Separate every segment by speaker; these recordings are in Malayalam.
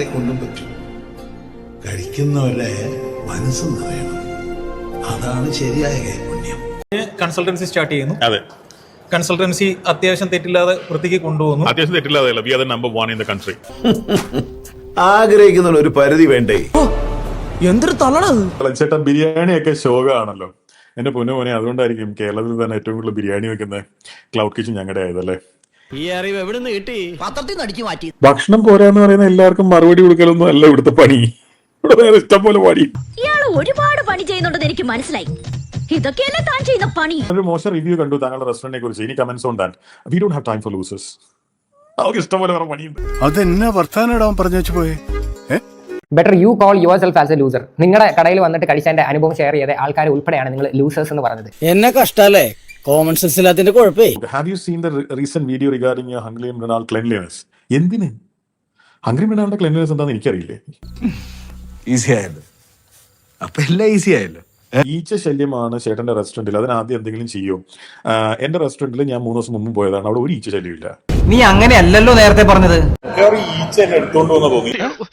Speaker 1: കൊണ്ടും പറ്റും. കഴിക്കുന്നവരെ മനസ്സ് നിറയണം. അതാണ് ശരിയായ കൈപുണ്യം.
Speaker 2: കൺസൾട്ടൻസി സ്റ്റാർട്ട് ചെയ്യുന്നു.
Speaker 3: അതെ,
Speaker 2: കൺസൾട്ടൻസി അത്യാവശ്യം തെറ്റില്ലാതെ വൃത്തിക്ക് കൊണ്ടുപോകുന്നു.
Speaker 3: അത്യാവശ്യം തെറ്റില്ലാതെ we are the number 1 in the country.
Speaker 4: ആഗ്രഹിക്കുന്ന ഒരു പരിധി വേണ്ടേ?
Speaker 5: എന്തൊരു തള്ളണത്.
Speaker 3: ചേട്ടാ, ബിരിയാണി ഒക്കെ ശോകമാണല്ലോ. എന്റെ പൊന്നുമോനെ, അതുകൊണ്ടായിരിക്കും കേരളത്തിൽ തന്നെ ഏറ്റവും കൂടുതൽ ബിരിയാണി വെക്കുന്ന ക്ലൗഡ് കിച്ചൺ ഞങ്ങളുടെ ആയതല്ലേ.
Speaker 5: ഈ അറിവ് എവിടെ നിന്ന് കിട്ടി? പത്രത്തിൽ നിന്ന് അടിച്ചു മാറ്റി.
Speaker 3: ഭക്ഷണം പോരാന്ന് പറയുന്ന എല്ലാവർക്കും മറുപടി കൊടുക്കലൊന്നും അല്ല ഇവിടുത്തെ പണി. ഇവിടെ വേറെ ഇഷ്ടം പോലെ പണി.
Speaker 6: ഇയാള് ഒരുപാട് പണി ചെയ്യുന്നുണ്ടെന്ന് എനിക്ക് മനസ്സിലായി. ഇതൊക്കെയല്ലേ താൻ ചെയ്യുന്ന പണി.
Speaker 3: ഒരു മോശം റിവ്യൂ കണ്ടു താങ്കളുടെ റെസ്റ്റോറന്റിനെ കുറിച്ച്. ഇനി comments on that. We don't have time for losers. അവർക്ക് ഇഷ്ടം പോലെ വേറെ പണിയുണ്ട്.
Speaker 4: അതെന്നാ വർത്താനം പറഞ്ഞു വെച്ച് പോയേ?
Speaker 7: Better you call yourself as a loser. നിങ്ങളുടെ കടയിൽ വന്നിട്ട് കഴിച്ചതിന്റെ അനുഭവം ഷെയർ ചെയ്ത ആൾക്കാർ ഉൾപ്പെടെയാണ് നിങ്ങൾ ലൂസേഴ്സ് എന്ന് പറഞ്ഞത്.
Speaker 5: എന്നെ കഷ്ടല്ലേ? കോമൺ സെൻസ് ഇല്ലാത്തതിന്റെ കുഴപ്പേ.
Speaker 3: Have you seen the recent video regarding hungry Mrinal cleanliness? എന്തിന് ഹംഗ്രി മൃണാളിന്റെ ക്ലെൻലിനെസ് എന്താണെന്ന് എനിക്കറിയില്ലേ.
Speaker 4: ഈസി ആയല്ലോ. അപ്പൊ എല്ലാം ഈസി ആയല്ലോ.
Speaker 3: ഈച്ച ശല്യമാണ് ചേട്ടന്റെ റെസ്റ്റോറന്റിൽ. അതിനാദ്യം എന്തെങ്കിലും ചെയ്യും. എന്റെ റെസ്റ്റോറന്റിൽ ഞാൻ 3 ദിവസം മുമ്പ് പോയതാണ്. അവിടെ ഒരു ഈച്ച ശല്യം ഇല്ല.
Speaker 7: നീ അങ്ങനെയല്ലല്ലോ നേരത്തെ പറഞ്ഞത്.
Speaker 3: ഈച്ച എന്നെ എടുത്തോണ്ട് വന്ന തോന്നി.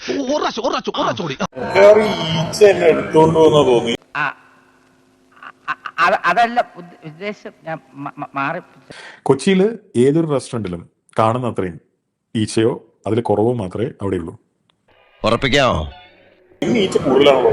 Speaker 3: ഈച്ച എന്നെ എടുത്തോണ്ട് വന്ന തോന്നി.
Speaker 8: അതല്ല ഉദ്ദേശം. ഞാൻ മാറി.
Speaker 3: കൊച്ചിയില് ഏതൊരു റെസ്റ്റോറന്റിലും കാണുന്ന അത്രയും ഈച്ചയോ അതിൽ കുറവോ മാത്രമേ അവിടെ ഉള്ളൂ.
Speaker 4: ഉറപ്പിക്കാമോ?
Speaker 3: ഇന്ന് ഈച്ച കൂടുതലാണല്ലോ.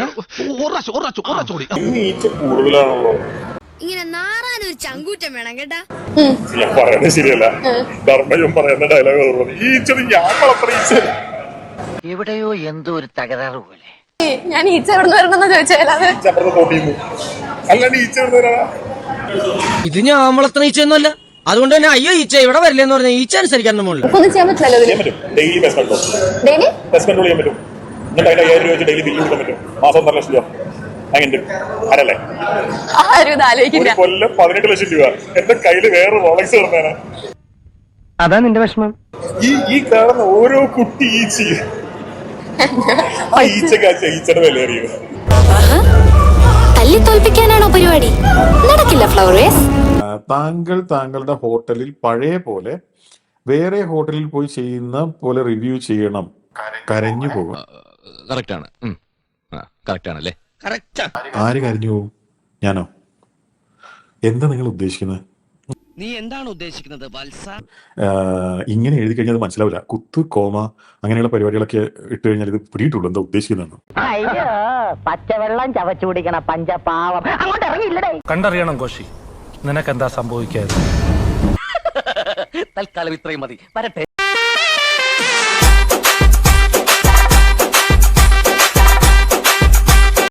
Speaker 3: ഇന്ന് ഈച്ച കൂടുതലാണല്ലോ.
Speaker 6: ഇങ്ങനെ നാറാനൊരു ചങ്കൂറ്റം വേണം കേട്ടാ.
Speaker 3: ഞാൻ പറയുന്നത് ശരിയല്ല. ധർമ്മയും പറയുന്ന ഡയലോഗ് ഈച്ച ഞാൻ വളർത്തുന്ന ഈച്ച.
Speaker 8: എവിടെയോ എന്തോ ഒരു തകരാറ് പോലെ.
Speaker 6: ഞാൻ ഈച്ച എവിടെ നിന്ന് വരണമെന്ന് ചോദിച്ചാൽ
Speaker 3: അല്ലാണ്ട് ഈച്ച വരുന്നവരാ.
Speaker 5: ഇത് ഞാൻ വളർത്തുന്ന ഈച്ചയൊന്നുമല്ല. അതുകൊണ്ട് തന്നെ അയ്യോ ഈച്ച ഇവിടെ വരില്ലെന്ന് പറഞ്ഞ ഈച്ച അനുസരിക്കാൻ
Speaker 6: ഒന്നും ചെയ്യാൻ പറ്റില്ലല്ലോ.
Speaker 3: ചെയ്യാൻ പറ്റും. ഡെയിലി പെസ്റ്റ് കൺട്രോൾ ചെയ്യാൻ പറ്റും. എന്നിട്ട് അതിന്റെ 5000 രൂപ വെച്ച് ഡെയിലി ബില്ല് കൊടുക്കാൻ പറ്റും. മാസം 1.5 ലക്ഷം രൂപ അങ്ങനെ ആരല്ലേ? ഒരു കൊല്ലം 18 ലക്ഷം രൂപ എന്റെ കയ്യില് വേറെ റോളക്സ് കിടന്നാണ്.
Speaker 8: അതാ നിന്റെ വിഷമം.
Speaker 3: ഈ കാണുന്ന ഓരോ കുട്ടി ഈച്ച ആ ഈച്ചയുടെ വില അറിയുക.
Speaker 6: തല്ലി തോൽപ്പിക്കാനാണോ പരിപാടി? നടക്കില്ല ഫ്ലവേഴ്സ്.
Speaker 3: താങ്കൾ താങ്കളുടെ ഹോട്ടലിൽ പഴയ പോലെ വേറെ ഹോട്ടലിൽ പോയി ചെയ്യുന്ന പോലെ റിവ്യൂ ചെയ്യണം. കരഞ്ഞു പോകും.
Speaker 4: കറക്റ്റ് ആണല്ലേ?
Speaker 3: ആര് കരഞ്ഞു പോകും? ഞാനോ? എന്താ നിങ്ങൾ ഉദ്ദേശിക്കുന്നത്?
Speaker 5: നീ എന്താണ് ഉദ്ദേശിക്കുന്നത് വത്സ?
Speaker 3: ഇങ്ങനെ എഴുതി കഴിഞ്ഞാൽ അത് മനസ്സിലാവില്ല. കുത്ത് കോമ അങ്ങനെയുള്ള പരിപാടികളൊക്കെ ഇട്ട് കഴിഞ്ഞാൽ ഇത് പിടിയിട്ടുള്ളൂ എന്താ ഉദ്ദേശിക്കുന്നതാണ്.
Speaker 8: അയ്യോ, പച്ചവെള്ളം ചവച്ചു കുടിക്കണ പഞ്ചപാവം അങ്ങോട്ട് ഇറങ്ങിയില്ലടേ.
Speaker 9: കണ്ടറിയണം കോശി, നിനക്കെന്താ സംഭവിക്കാതെ.
Speaker 8: തൽക്കാലം ഇത്രയും മതി. വരട്ടെ.